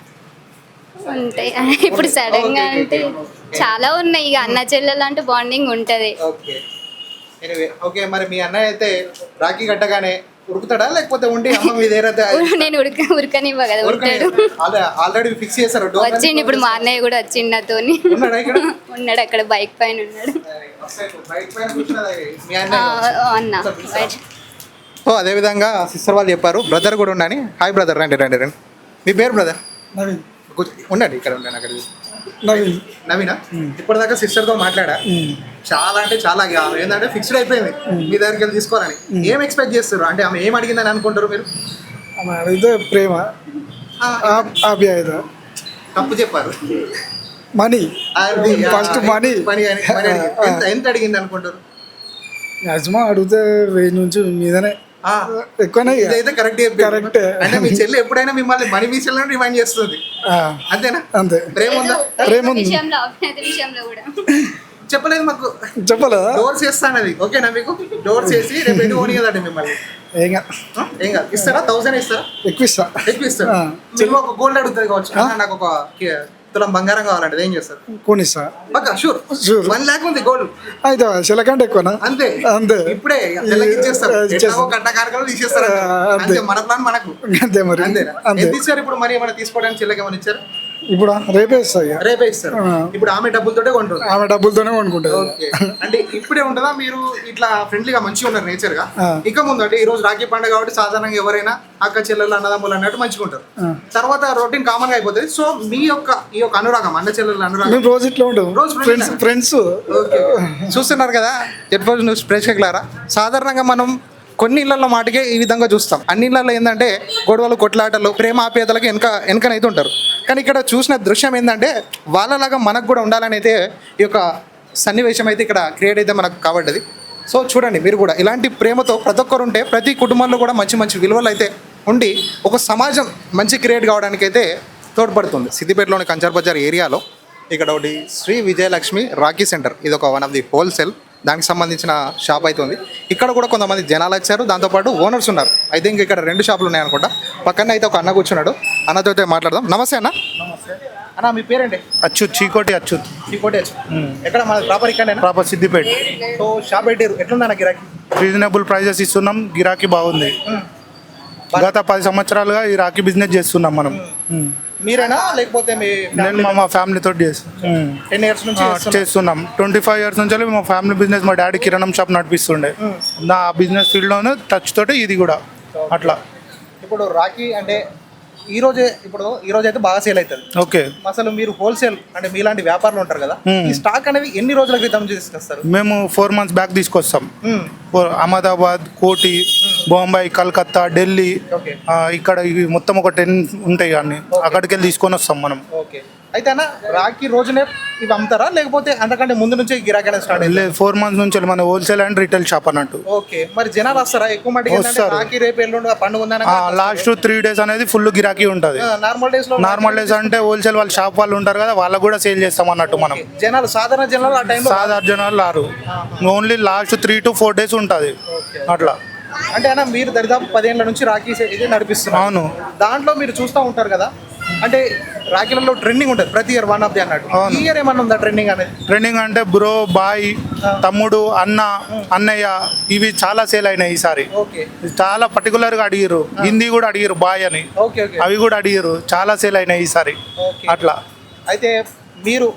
B: ఉంటాయి ఇప్పుడు సడన్ గా అంటే చాలా ఉన్నాయి. ఇక అన్న చెల్లెలు అంటే బాండింగ్ ఉంటది.
C: Okay, anyway okay. మరి మీ అన్నయ్య అయితే రాఖీ కట్టగానే ఉరుకుతాడా లేకపోతే ఉండి అమ్మ మీ దగ్గర
B: నేను ఉడక ఉరకనివ్వ కదా, ఉడతాడు.
C: ఆల్రెడీ ఫిక్స్ చేశారు?
B: వచ్చిండు ఇప్పుడు మా అన్నయ్య కూడా వచ్చిండు నాతోని.
C: ఉన్నాడా ఇక్కడ?
B: ఉన్నాడు అక్కడ బైక్ పైన ఉన్నాడు.
C: బైక్ పైన కూర్చున్నది మీ
B: ఆ,
C: అన్నయ్య.
B: అన్న బయట.
C: సో అదేవిధంగా సిస్టర్ వాళ్ళు చెప్పారు బ్రదర్ కూడా ఉండని. హాయ్ బ్రదర్, రండి రండి రండి. మీ పేరు బ్రదర్?
D: నవీన్.
C: ఉండండి ఇక్కడ ఉండండి. అక్కడ
D: నవీన్.
C: నవీనా? ఇప్పటిదాకా సిస్టర్తో మాట్లాడా, చాలా అంటే చాలా ఇక ఆమె ఏంటంటే ఫిక్స్డ్ అయిపోయింది మీ దగ్గరికి వెళ్ళి తీసుకోవాలని. ఏం ఎక్స్పెక్ట్ చేస్తారు అంటే ఆమె ఏం అడిగిందని అనుకుంటారు మీరు?
D: ఆమె అడిగితే ప్రేమ, ఆప్యాయత.
C: తప్పు చెప్పారు.
D: మనీ,
C: అది, ఆ,
D: ఫస్ట్ మనీ.
C: మనీ అని- మనీ అడిగింది. ఎంత- ఎంత అడిగింది అనుకుంటారు?
D: మ్యాక్సిమం అడిగితే వెయ్యి నుంచి మీదనే,
C: ఆ,
D: ఎక్కువనే. ఇక.
C: ఇదైతే కరెక్ట్
D: కరెక్ట్.
C: అంటే మీ చెల్లి ఎప్పుడైనా మిమ్మల్ని మనీ విషయంలో రిమైండ్ చేస్తుంది,
D: ఆ,
C: అంతేనా?
D: అంతే.
C: ప్రేమ ఉందా?
D: ప్రేమ ఉంది.
B: విషయంలో అభినేత విషయంలో కూడా
C: చెప్పలేదు మాకు.
D: చెప్పలేదా?
C: డోర్స్ చేస్తానది ఓకేనా మీకు? డోర్స్ చేసి రేపు ఎటు పోనీ కదండి మిమ్మల్ని.
D: ఏం కాదు.
C: ఆ, ఏం కాదు. ఇస్తారా? థౌసండ్ ఇస్తారా?
D: ఎక్కువ ఇస్తా.
C: ఎక్కువ ఇస్తారు. మీరు ఒక గోల్డ్ అడుగుతుంది కావచ్చు, అన్న, నాకు ఒక కి- తులం బంగారం కావాలంటే ఏం చేస్తారు?
D: కొనిస్తా.
C: పక్క షూర్
D: Sure.
C: వన్ ల్యాక్ ఉంది గోల్డ్.
D: అయితే చిలకంటే ఎక్కువనా?
C: అంతే
D: అంతే.
C: ఇప్పుడే తెల్లకి ఇచ్చేస్తారు.
D: ఇచ్చేస్తారు.
C: ఎట్లాగో కట్ట కార్యక్రమాలు తీసేస్తారు.
D: ఆ, అంతే.
C: అంతే, మన ప్లాన్ మనకు.
D: అంతే మరి.
C: అంతేనా?
D: అంతే.
C: ఎంత ఇచ్చారు ఇప్పుడు? మరి ఏమైనా తీసుకోవడానికి చెల్లెకి ఏమైనా ఇచ్చారు?
D: ఇప్పుడు రేపే ఇస్తా ఇక.
C: రేపే ఇస్తారు.
D: ఆ.
C: ఇప్పుడు ఆమె డబ్బులతోటే కొంటుంది.
D: ఆమె డబ్బులతోనే కొనుక్కుంటుంది.
C: ఓకే, అంటే ఇప్పుడే ఉంటుందా? మీరు ఇట్లా ఫ్రెండ్లీగా మంచిగా ఉన్నారు నేచర్ గా.
D: ఆ.
C: ఇక ముందు అంటే ఈ రోజు రాఖీ పండుగ కాబట్టి సాధారణంగా ఎవరైనా అక్క చెల్లెలు అన్నదమ్ములు అన్నట్టు మంచిగా ఉంటారు.
D: ఆ.
C: తర్వాత రొటీన్ కామన్ గా అయిపోతుంది. సో మీ యొక్క ఈ యొక్క అనురాగం, అన్న చెల్లెల అనురాగం
D: మేము రోజు ఇట్లా ఉంటాం.
C: రోజు
D: ఫ్రెండ్స్ ఫ్రెండ్స్
C: ఓకే. చూస్తున్నారు కదా జెడ్ ఫోర్ న్యూస్ ప్రేక్షకులారా, సాధారణంగా మనం కొన్ని ఇళ్లలో మాటకే ఈ విధంగా చూస్తాం. అన్ని ఇళ్లలో ఏంటంటే గొడవలు, కొట్లాటలు, ప్రేమ ఆప్యాయతలకు వెనక వెనకనైతే ఉంటారు. కానీ ఇక్కడ చూసిన దృశ్యం ఏంటంటే వాళ్ళలాగా మనకు కూడా ఉండాలని అయితే ఈ యొక్క సన్నివేశం అయితే ఇక్కడ క్రియేట్ అయితే మనకు కాబడ్డది. సో చూడండి మీరు కూడా ఇలాంటి ప్రేమతో ప్రతి ఒక్కరు ఉంటే ప్రతి కుటుంబంలో కూడా మంచి మంచి విలువలు అయితే ఉండి ఒక సమాజం మంచి క్రియేట్ కావడానికి అయితే తోడ్పడుతుంది. సిద్దిపేటలోని కంచర్ బజార్ ఏరియాలో ఇక్కడ ఒకటి శ్రీ విజయలక్ష్మి రాఖీ సెంటర్, ఇది ఒక వన్ ఆఫ్ ది హోల్సేల్ దానికి సంబంధించిన షాప్ అయితే ఉంది. ఇక్కడ కూడా కొంతమంది జనాలు వచ్చారు, దాంతోపాటు ఓనర్స్ ఉన్నారు. ఐ థింక్ ఇక్కడ రెండు షాపులు ఉన్నాయి అనుకుంటా. పక్కన అయితే ఒక అన్న కూర్చున్నాడు, అన్నతో అయితే మాట్లాడదాం. నమస్తే అన్న. అన్న మీ పేరేంటి?
K: అచ్యుత్, చీకోటి అచ్యుత్.
C: చీకోటి అచ్యుత్. ఎక్కడ మన ప్రాపర్ ఇక్కడ
K: ప్రాపర్ సిద్దిపేట.
C: సో షాప్ పెట్టారు, ఎట్లుందన్న గిరాకీ?
K: రీజనబుల్ ప్రైజెస్ ఇస్తున్నాం, గిరాకీ బాగుంది. గత పది సంవత్సరాలుగా ఈ రాఖీ బిజినెస్ చేస్తున్నాం మనం.
C: మీరేనా లేకపోతే మీ
K: నేను మా మా ఫ్యామిలీతో చేస్తాం.
C: టెన్ ఇయర్స్ నుంచి చేస్తున్నారు?
K: చేస్తున్నాం. ట్వంటీ ఫైవ్ ఇయర్స్ నుంచి మా ఫ్యామిలీ బిజినెస్, మా డాడీ కిరాణం షాప్ నడిపిస్తుండే. నా బిజినెస్ ఫీల్డ్లోనే టచ్ తోటి ఇది కూడా అట్లా.
C: ఇప్పుడు రాఖీ అంటే ఈ రోజే ఇప్పుడు ఈ రోజు అయితే బాగా సేల్ అవుతుంది.
K: ఓకే.
C: అసలు మీరు హోల్సేల్ అంటే మీలాంటి వ్యాపారులు ఉంటారు కదా, ఈ స్టాక్ అనేది ఎన్ని రోజుల క్రితం తీసుకొస్తారు?
K: మేము ఫోర్ మంత్స్ బ్యాక్ తీసుకొస్తాం. అహ్మదాబాద్, కోటి, బొంబాయి, కలకత్తా, ఢిల్లీ, ఆ, ఇక్కడ ఇవి మొత్తం ఒక టెన్ ఉంటాయి అన్ని. అక్కడికి వెళ్ళి తీసుకొని వస్తాం మనం.
C: ఓకే. అయితే అన్న రాఖీ రోజునే ఇవి అమ్ముతారా లేకపోతే అంతకంటే ముందు నుంచి గిరాకీ అనేది స్టార్ట్ అయ్యింది?
K: లేదు, ఫోర్ మంత్స్ నుంచి మన హోల్సేల్ అండ్ రీటైల్ షాప్ అన్నట్టు.
C: ఓకే. మరి జనాలు వస్తారా ఎక్కువ మటుకు?
K: వస్తారు.
C: రాఖీ రేపు ఎల్లుండి పండుగ ఉందని
K: లాస్ట్ త్రీ డేస్ అనేది ఫుల్ గిరాకీ ఉంటుంది.
C: నార్మల్ డేస్ లో
K: నార్మల్ డేస్ అంటే హోల్సేల్ వాళ్ళ షాప్ వాళ్ళు ఉంటారు కదా, వాళ్ళకు కూడా సేల్ చేస్తాం అన్నట్టు మనం.
C: జనాలు సాధారణ జనాలు ఆ టైంలో
K: సాధారణ జనాలు రారు, only last three to four days ఉంటుంది అట్లా.
C: అంటే అన్న మీరు దరిదాపు పదేళ్ల నుంచి రాఖీ ఇది నడిపిస్తున్నారు.
K: అవును.
C: దాంట్లో మీరు చూస్తూ ఉంటారు కదా, అంటే రాఖీలలో ట్రెండింగ్ ఉంటుంది ప్రతి ఇయర్ వన్ ఆఫ్ ది అన్నట్టు. ఈ ఇయర్ ఏమన్నా ఉందా ట్రెండింగ్ అనేది?
K: ట్రెండింగ్ అంటే బ్రో, బాయ్, తమ్ముడు, అన్న, అన్నయ్య, ఇవి చాలా సేల్ అయినాయి ఈసారి.
C: ఓకే.
K: చాలా పర్టికులర్గా అడిగిరు, హిందీ కూడా అడిగిరు బాయ్ అని,
C: ఓకే ఓకే.
K: అవి కూడా అడిగిరు, చాలా సేల్ అయినాయి ఈసారి
C: ఓకే.
K: అట్లా.
C: అయితే మీరు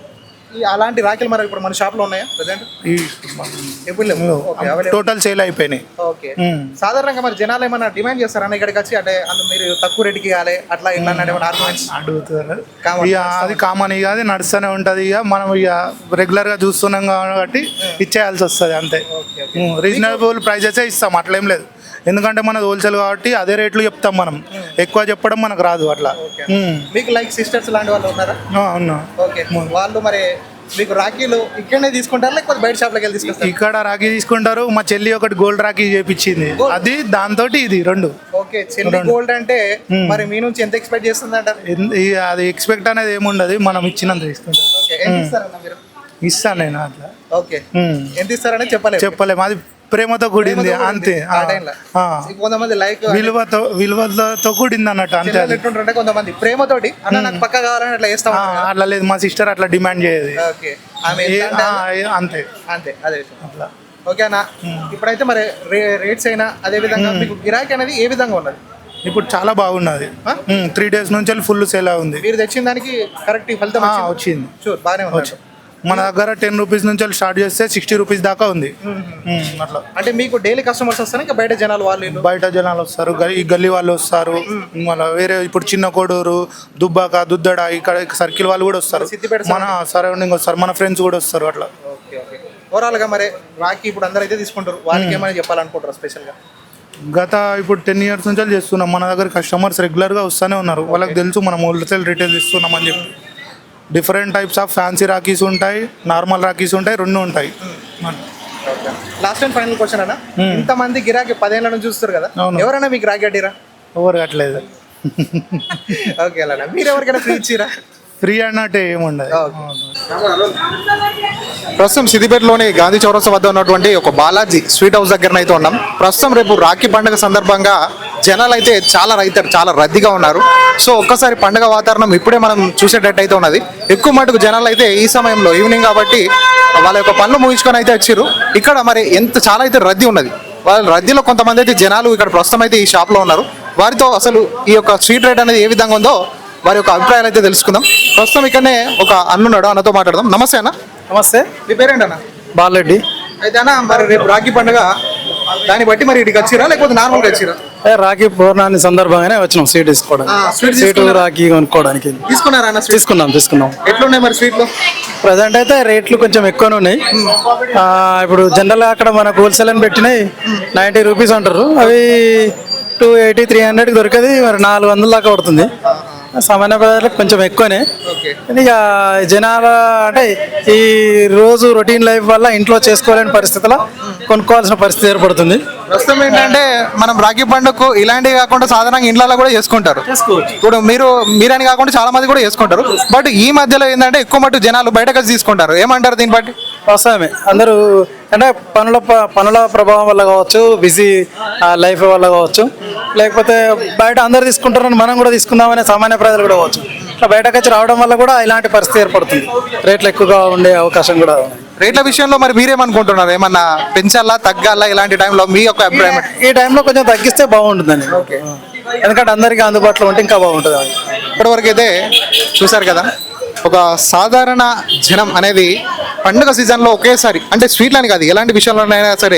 C: ఈ అలాంటి రాఖీలు మరి ఇప్పుడు మన షాప్ లో ఉన్నాయా ప్రజెంట్?
K: ఈ
C: ఎప్పుడు లేవు. Okay, available.
K: టోటల్ సేల్ అయిపోయినాయి.
C: ఓకే. సాధారణంగా మరి జనాలు ఏమైనా డిమాండ్ చేస్తారన్న ఇక్కడికి వచ్చి, అంటే అందు మీరు తక్కువ రేటుకి ఇవ్వాలి అట్లా ఇట్లా అన్నట్టు ఏమైనా ఆర్గ్యుమెంట్స్?
K: అడుగుతారు
C: Common.
K: ఇక అది కామన్, ఇక అది నడుస్తూనే ఉంటుంది. ఇక మనం ఇక రెగ్యులర్ గా చూస్తున్నాం కాబట్టి ఇచ్చేయాల్సి వస్తుంది అంతే. రీజనబుల్ ప్రైజెస్ ఇస్తాం, అట్లేం లేదు. ఎందుకంటే మనది హోల్సేల్ కాబట్టి అదే రేట్లు చెప్తాం మనం, ఎక్కువ చెప్పడం మనకు రాదు అట్లా. ఉమ్.
C: మీకు లైక్ సిస్టర్స్ లాంటి వాళ్ళు ఉన్నారా?
K: ఆ, అవునా.
C: ఓకే, వాళ్ళు మరి మీకు రాఖీలు ఇక్కడనే తీసుకుంటారా లేకపోతే బయట షాప్లోకి వెళ్ళి తీసుకొస్తారు?
K: ఇక్కడ రాఖీ తీసుకుంటారు. మా చెల్లి ఒకటి గోల్డ్ రాఖీ చేపించింది, అది దాంతో ఇది రెండు.
C: ఓకే, చెల్లి గోల్డ్ అంటే మరి మీ నుంచి ఎంత ఎక్స్పెక్ట్ చేస్తుందంట?
K: ఎన్- ఈ అది ఎక్స్పెక్ట్ అనేది ఏముండదు, మనం ఇచ్చినంత తీసుకుంటాం.
C: ఓకే, ఎంత ఇస్తారన్న మీరు?
K: ఇస్తాను నేను అట్లా.
C: Okay,
K: um.
C: ఎంత ఇస్తారని చెప్పలేదు.
K: చెప్పలేము, అది ప్రేమతో కూడింది అంతే.
C: ఆ
K: ఆ,
C: టైంలో
K: ఆ.
C: కొంతమంది లైక్
K: విలువతో విలువలతో కూడింది అన్నట్టు అంతే. అది
C: ఎట్లుంటారంటే కొంతమంది ప్రేమతోటి అన్న నాకు పక్క కావాలని అట్లా చేస్తా
K: ఆ,
C: ఉంటారు కదా.
K: అట్లా లేదు, మా సిస్టర్ అట్లా డిమాండ్ చేయదు.
C: ఓకే, ఆమె
K: ఏ-
C: ఎంత అంటే
K: ఆ, ఏ- అంతే
C: అంతే, అదే విషయం.
K: అట్లా.
C: ఓకే అన్న, ఇప్పుడైతే మరి రే- రేట్స్ అయినా అదే విధంగా మీకు గిరాకీ అనేది ఏ విధంగా ఉన్నది?
K: ఇప్పుడు చాలా బాగున్నది. త్రీ డేస్ నుంచి ఫుల్ సేల్ ఉంది.
C: మీరు తెచ్చిన దానికి కరెక్ట్ ఫలితం
K: ఆ,
C: వచ్చిందా?
K: వచ్చింది.
C: షూర్, బాగానే ఉంది.
K: మన దగ్గర టెన్ రూపీస్ నుంచి స్టార్ట్ చేస్తే సిక్స్టీ రూపీస్ దాకా ఉంది. ఉమ్, అట్లా
C: అంటే మీకు డైలీ కస్టమర్స్ వస్తారు ఇంకా బయట జనాలు వాళ్ళు వీళ్ళు?
K: బయట జనాలు వస్తారు, గ- ఈ గల్లీ వాళ్ళు వస్తారు, మళ్ళీ వేరే ఇప్పుడు చిన్న కోడూరు, దుబ్బాక, దుద్దడ ఇక్కడ సర్కిల్ వాళ్ళు కూడా వస్తారు,
C: సిద్దిపేట
K: మన సరౌండింగ్ వస్తారు, మన ఫ్రెండ్స్ కూడా వస్తారు అట్లా.
C: Okay okay. ఓవరాల్ గా మరి రాఖీ ఇప్పుడు అందరూ అయితే తీసుకుంటారు, వాళ్ళకి ఏమైనా చెప్పాలనుకుంటారు స్పెషల్ గా?
K: గత ఇప్పుడు టెన్ ఇయర్స్ నుంచి చేస్తున్నాం, మన దగ్గర కస్టమర్స్ రెగ్యులర్గా వస్తూనే ఉన్నారు. వాళ్ళకి తెలుసు మనం హోల్సేల్ రిటైల్ ఇస్తున్నాం అని చెప్పి. Different types of fancy rakhis ఉంటాయి, నార్మల్ రాఖీస్ ఉంటాయి, రెండు ఉంటాయి.
C: లాస్ట్ అండ్ ఫైనల్ క్వశ్చన్ అన్న, ఇంతమంది గిరాకీ పదేళ్ళ నుంచి చూస్తారు కదా,
K: అవును.
C: ఎవరైనా మీకు రాఖీ అడ్డిరా?
K: ఎవరు కట్టలేదు.
C: ఓకే అలా మీరు ఎవరికైనా ఫ్రీ ఇచ్చిరా?
K: ఫ్రీ అన్నట్టు ఏముండదు.
C: ప్రస్తుతం సిద్దిపేటలోని గాంధీ చౌరస్తా వద్ద ఉన్నటువంటి ఒక బాలాజీ స్వీట్ హౌస్ దగ్గర అయితే ఉన్నాం. ప్రస్తుతం రేపు రాఖీ పండుగ సందర్భంగా జనాలు అయితే చాలా రైతారు, చాలా రద్దీగా ఉన్నారు. సో ఒక్కసారి పండుగ వాతావరణం ఇప్పుడే మనం చూసేటట్టు అయితే ఉన్నది. ఎక్కువ మటుకు జనాలు అయితే ఈ సమయంలో ఈవినింగ్ కాబట్టి వాళ్ళ యొక్క పనులు ముగించుకొని అయితే వచ్చారు. ఇక్కడ మరి ఎంత చాలా అయితే రద్దీ ఉన్నది. వాళ్ళ రద్దీలో కొంతమంది అయితే జనాలు ఇక్కడ ప్రస్తుతం అయితే ఈ షాప్లో ఉన్నారు. వారితో అసలు ఈ యొక్క స్వీట్ రేట్ అనేది ఏ విధంగా ఉందో వారి యొక్క అభిప్రాయాలు అయితే తెలుసుకుందాం. ప్రస్తుతం ఇక్కడనే ఒక అన్నున్నాడు, అన్నతో మాట్లాడదాం. నమస్తే అన్న.
D: నమస్తే,
C: మీ పేరేంటన్నా?
D: బాలరెడ్డి.
C: అయితే అన్న మరి రేపు రాఖీ పండుగ, దాన్ని బట్టి మరి ఇటుకి వచ్చిరా లేకపోతే నార్మల్గా వచ్చిరా?
D: రాఖీ పౌర్ణమి సందర్భంగానే వచ్చినాం స్వీట్ తీసుకోవడానికి.
C: ఆ, స్వీట్
D: స్వీట్
C: తీసుకున్నారా?
D: రాఖీ కొనుక్కోవడానికి
C: తీసుకున్నారా అన్న స్వీట్?
D: తీసుకున్నాం తీసుకున్నాం
C: ఎట్లున్నాయి మరి స్వీట్లు?
D: ప్రజెంట్ అయితే రేట్లు కొంచెం ఎక్కువనే ఉన్నాయి. ఆ, ఇప్పుడు జనరల్గా అక్కడ మనకు హోల్సేల్ అని పెట్టినాయి నైంటీ రూపీస్ అంటారు, అవి టూ ఎయిటీ త్రీ హండ్రెడ్కి దొరికేది మరి నాలుగు వందల దాకా పడుతుంది. సామాన్య ప్రజలకు కొంచెం ఎక్కువనే. ఇక జనాల అంటే ఈ రోజు రొటీన్ లైఫ్ వల్ల ఇంట్లో చేసుకోలేని పరిస్థితుల్లో కొనుక్కోవాల్సిన పరిస్థితి ఏర్పడుతుంది.
C: ప్రస్తుతం ఏంటంటే మనం రాఖీ పండుగకు ఇలాంటివి కాకుండా సాధారణంగా ఇండ్లలో కూడా చేసుకుంటారు. ఇప్పుడు మీరు మీరని కాకుండా చాలా మంది కూడా చేసుకుంటారు. బట్ ఈ మధ్యలో ఏంటంటే ఎక్కువ మటు జనాలు బయటకు వచ్చి తీసుకుంటారు. ఏమంటారు దీన్ని బట్టి?
D: వాస్తవమే, అందరూ అంటే పనుల ప- పనుల ప్రభావం వల్ల కావచ్చు, బిజీ లైఫ్ వల్ల కావచ్చు, లేకపోతే బయట అందరు తీసుకుంటారని మనం కూడా తీసుకుందామనే సామాన్య ప్రజలు కూడా కావచ్చు. ఇట్లా బయటకు వచ్చి రావడం వల్ల కూడా ఇలాంటి పరిస్థితి ఏర్పడుతుంది. రేట్లు ఎక్కువగా ఉండే అవకాశం కూడా ఉంది.
C: రేట్ల విషయంలో మరి మీరేమనుకుంటున్నారు? ఏమన్నా పెంచాలా, తగ్గాలా? ఇలాంటి టైంలో మీ యొక్క అభిప్రాయం?
D: ఈ టైంలో కొంచెం తగ్గిస్తే బాగుంటుందని, ఎందుకంటే అందరికీ అందుబాటులో ఉంటే ఇంకా బాగుంటుంది.
C: ఇప్పటివరకు అయితే చూసారు కదా, ఒక సాధారణ జనం అనేది పండుగ సీజన్లో ఒకేసారి, అంటే స్వీట్లని కాదు ఎలాంటి విషయంలోనైనా సరే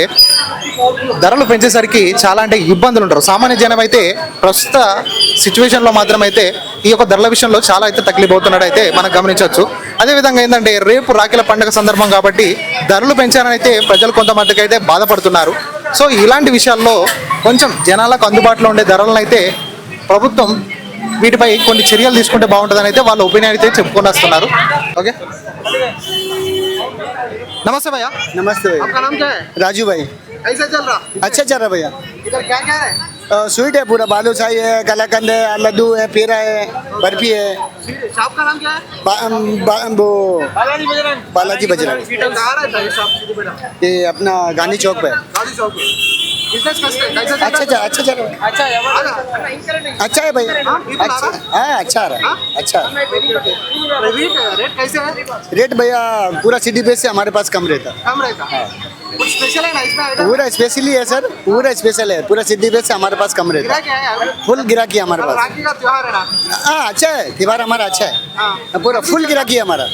C: ధరలు పెంచేసరికి చాలా అంటే ఇబ్బందులు ఉంటారు. సామాన్య జనం అయితే ప్రస్తుత సిచ్యువేషన్లో మాత్రం అయితే ఈ యొక్క ధరల విషయంలో చాలా అయితే తక్లీఫ్ అయితే మనం గమనించవచ్చు. అదేవిధంగా ఏంటంటే రేపు రాఖీల పండుగ సందర్భం కాబట్టి ధరలు పెంచారని అయితే ప్రజలు కొంతమందికి అయితే బాధపడుతున్నారు. సో ఇలాంటి విషయాల్లో కొంచెం జనాలకు అందుబాటులో ఉండే ధరలను అయితే ప్రభుత్వం వీటిపై కొన్ని చర్యలు తీసుకుంటే బాగుంటుందని అయితే వాళ్ళ ఒపీనియన్ అయితే చెప్పుకొని వస్తున్నారు. ఓకే, नमस्ते भैया।
L: नमस्ते भैया।
C: आपका नाम क्या है?
L: राजू भाई।
C: कैसा चल रहा?
L: अच्छा चल रहा भैया।
C: इधर क्या क्या है?
L: अ, स्वीट है पूरा, बालूशाही है, कलाकंद है, लड्डू है, पेड़ा है, बर्फी है।
C: शॉप का नाम क्या है?
L: बा, बा, वो
C: बालाजी बजरंग।
L: बालाजी बजरंग।
C: कहाँ रहता है ये शॉप? सिद्धिपेटा।
L: ये अपना गांधी चौक पे है।
C: गाड़ी चौक पे। बिजनेस कैसा है? कैसा चल
L: अच्छा
C: रहा है?
L: चल अच्छा चल रहा है।
C: अच्छा है।
L: अच्छा है भैया।
C: हाँ, people आ
L: अच्छा
C: रहा
L: हाँ अच्छा आ रहा है। अच्छा
C: रेट रेट कैसे है?
L: रेट भैया पूरा सिटी बेस से हमारे पास कम रहता है।
C: कम रहता है। कुछ स्पेशल है ना इसमें आइटम?
L: पूरा स्पेशली है सर, पूरा स्पेशल है, पूरा सिटी बेस से हमारे पास कम रहता
C: गिरा
L: है।
C: क्या है?
L: फुल गिराकी है हमारे पास।
C: राखी का त्योहार है ना?
L: हाँ अच्छा है, त्योहार हमारा अच्छा है,
C: हाँ।
L: पूरा फुल गिराकी है हमारा।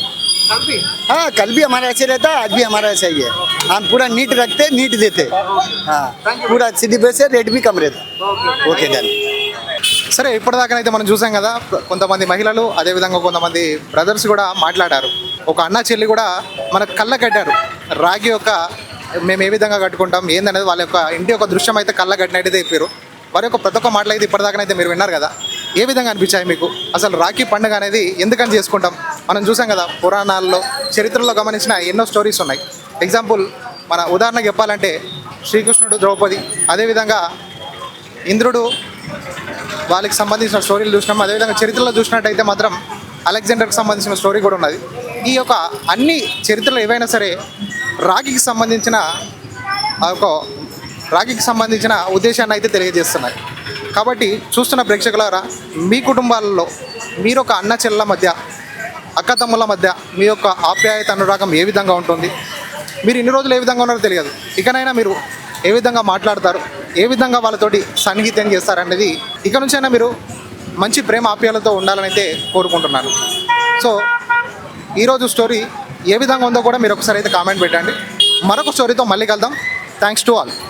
L: हाँ कल भी हमारा ऐसे रहता है, आज भी हमारा ऐसा ही है। हम पूरा नीट रखते, नीट देते। हाँ पूरा सिटी बेस से रेट भी कम रहता। Okay done.
C: సరే ఇప్పటిదాకానైతే మనం చూసాం కదా, కొంతమంది మహిళలు అదేవిధంగా కొంతమంది బ్రదర్స్ కూడా మాట్లాడారు. ఒక అన్న చెల్లి కూడా మన కళ్ళ కట్టారు. రాగి యొక్క మేము ఏ విధంగా కట్టుకుంటాం ఏందనేది వాళ్ళ యొక్క ఇంటి యొక్క దృశ్యం అయితే కళ్ళ కట్టినట్టయితే చెప్పారు. వారి యొక్క ప్రతి ఒక్క మాటలు అయితే ఇప్పటిదాకానైతే మీరు విన్నారు కదా. ఏ విధంగా అనిపించాయి మీకు? అసలు రాఖీ పండుగ అనేది ఎందుకని చేసుకుంటాం? మనం చూసాం కదా, పురాణాల్లో చరిత్రలో గమనించిన ఎన్నో స్టోరీస్ ఉన్నాయి. ఎగ్జాంపుల్ మన ఉదాహరణకు చెప్పాలంటే శ్రీకృష్ణుడు, ద్రౌపది, అదేవిధంగా ఇంద్రుడు, వాళ్ళకి సంబంధించిన స్టోరీలు చూసినాం. అదేవిధంగా చరిత్రలో చూసినట్టయితే మాత్రం అలెగ్జాండర్కి సంబంధించిన స్టోరీ కూడా ఉన్నది. ఈ యొక్క అన్ని చరిత్రలు ఏవైనా సరే రాఖీకి సంబంధించిన ఆ యొక్క రాఖీకి సంబంధించిన ఉద్దేశాన్ని అయితే తెలియజేస్తున్నాయి. కాబట్టి చూస్తున్న ప్రేక్షకులారా, మీ కుటుంబాలలో మీరు ఒక అన్న చెల్లెల మధ్య, అక్క తమ్ముళ్ళ మధ్య మీ యొక్క ఆప్యాయత అనురాగం ఏ విధంగా ఉంటుంది? మీరు ఇన్ని రోజులు ఏ విధంగా ఉన్నారో తెలియదు. ఇకనైనా మీరు ఏ విధంగా మాట్లాడతారు, ఏ విధంగా వాళ్ళతోటి సన్నిహితం చేస్తారనేది ఇక నుంచైనా మీరు మంచి ప్రేమ ఆప్యాలతో ఉండాలని అయితే కోరుకుంటున్నాను. సో ఈరోజు స్టోరీ ఏ విధంగా ఉందో కూడా మీరు ఒకసారి అయితే కామెంట్ పెట్టండి. మరొక స్టోరీతో మళ్ళీ కలుద్దాం. Thanks to all.